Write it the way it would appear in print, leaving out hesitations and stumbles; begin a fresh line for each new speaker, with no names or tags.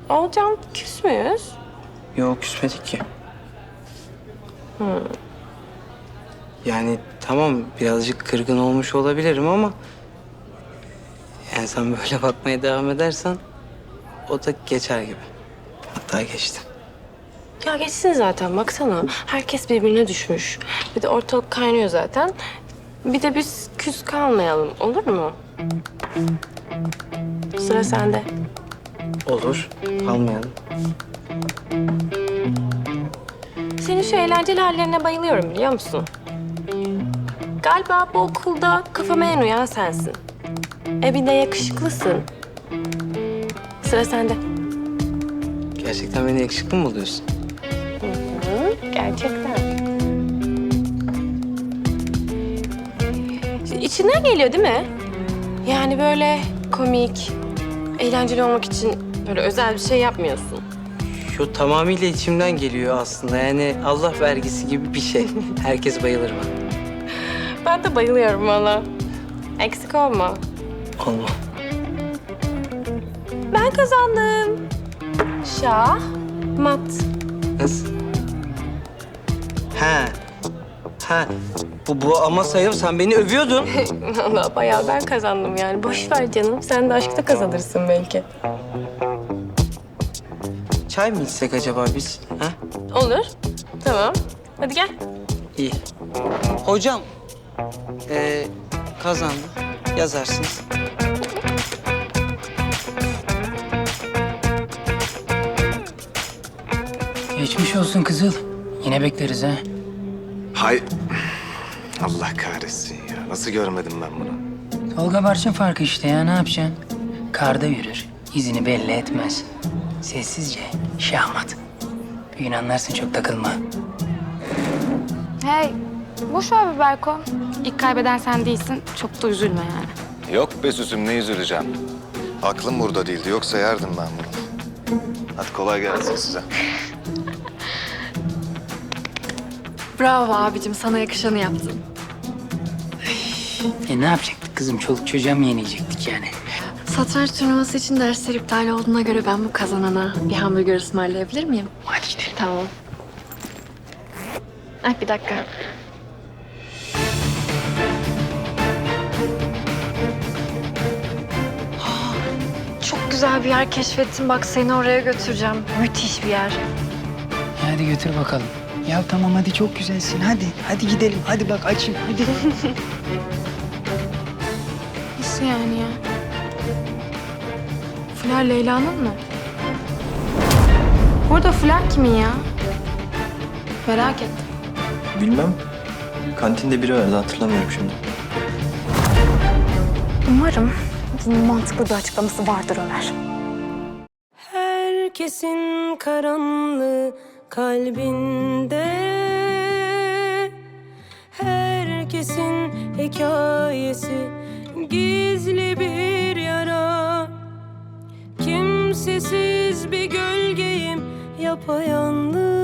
Olcan, küs müyüz?
Yok, küsmedik ki. Yani tamam, birazcık kırgın olmuş olabilirim ama... yani sen böyle bakmaya devam edersen o da geçer gibi. Hatta geçti.
Ya geçsin zaten, baksana. Herkes birbirine düşmüş. Bir de ortalık kaynıyor zaten. Bir de biz küs kalmayalım, olur mu? Sıra sende.
Olur, kalmayalım.
Senin şu eğlenceli hallerine bayılıyorum, biliyor musun? Galiba bu okulda kafama en uyan sensin. Bir de yakışıklısın. Sıra sende.
Gerçekten beni yakışıklı mı buluyorsun?
Gerçekten. İçinden geliyor değil mi? Yani böyle komik, eğlenceli olmak için böyle özel bir şey yapmıyorsun.
Şu tamamıyla içimden geliyor aslında. Yani Allah vergisi gibi bir şey. Herkes bayılır bana.
Ben de bayılıyorum valla. Eksik olma.
Allah.
Ben kazandım. Şah, mat.
Nasıl? Ha. Ha. Bu ama sayım, sen beni övüyordun.
Valla bayağı ben kazandım yani. Boş ver canım. Sen de aşkta kazanırsın belki.
Çay mı içsek acaba biz? Ha?
Olur. Tamam. Hadi gel.
İyi. Hocam, kazandı. Yazarsınız.
Geçmiş olsun Kızıl. Yine bekleriz ha.
Hay... Allah kahretsin ya. Nasıl görmedim ben bunu?
Tolga Barçın farkı işte ya, ne yapacaksın? Karda yürür, izini belli etmez. Sessizce, şahmat. Bir gün anlarsın, çok takılma.
Hey, boş ver be Berko. İlk kaybeden sen değilsin. Çok da üzülme yani.
Yok be Süsüm, ne üzüleceğim. Aklım burada değildi. Yoksa yerdim ben bunu. Hadi kolay gelsin size.
Bravo abicim, sana yakışanı yaptın.
Ne yapacaktık kızım? Çoluk çocuğa mı yenecektik yani?
Satranç turnuvası için dersler iptal olduğuna göre ben bu kazanana bir hamburger ısmarlayabilir miyim?
Hadi gidelim.
Tamam. Ay bir dakika. Çok güzel bir yer keşfettim. Bak seni oraya götüreceğim. Müthiş bir yer.
Hadi götür bakalım. Ya tamam hadi, çok güzelsin. Hadi gidelim. Hadi bak açayım. Hadi.
Nasıl yani ya? Flör Leyla'nın mı? Burada Flör kimin ya? Merak ettim.
Bilmem. Kantinde biri vardı, hatırlamıyorum şimdi.
Umarım bunun mantıklı bir açıklaması vardır Ömer.
Herkesin karanlığı kalbinde, herkesin hikayesi gizli bir yara. Kimsesiz bir gölgeyim yapayalnız.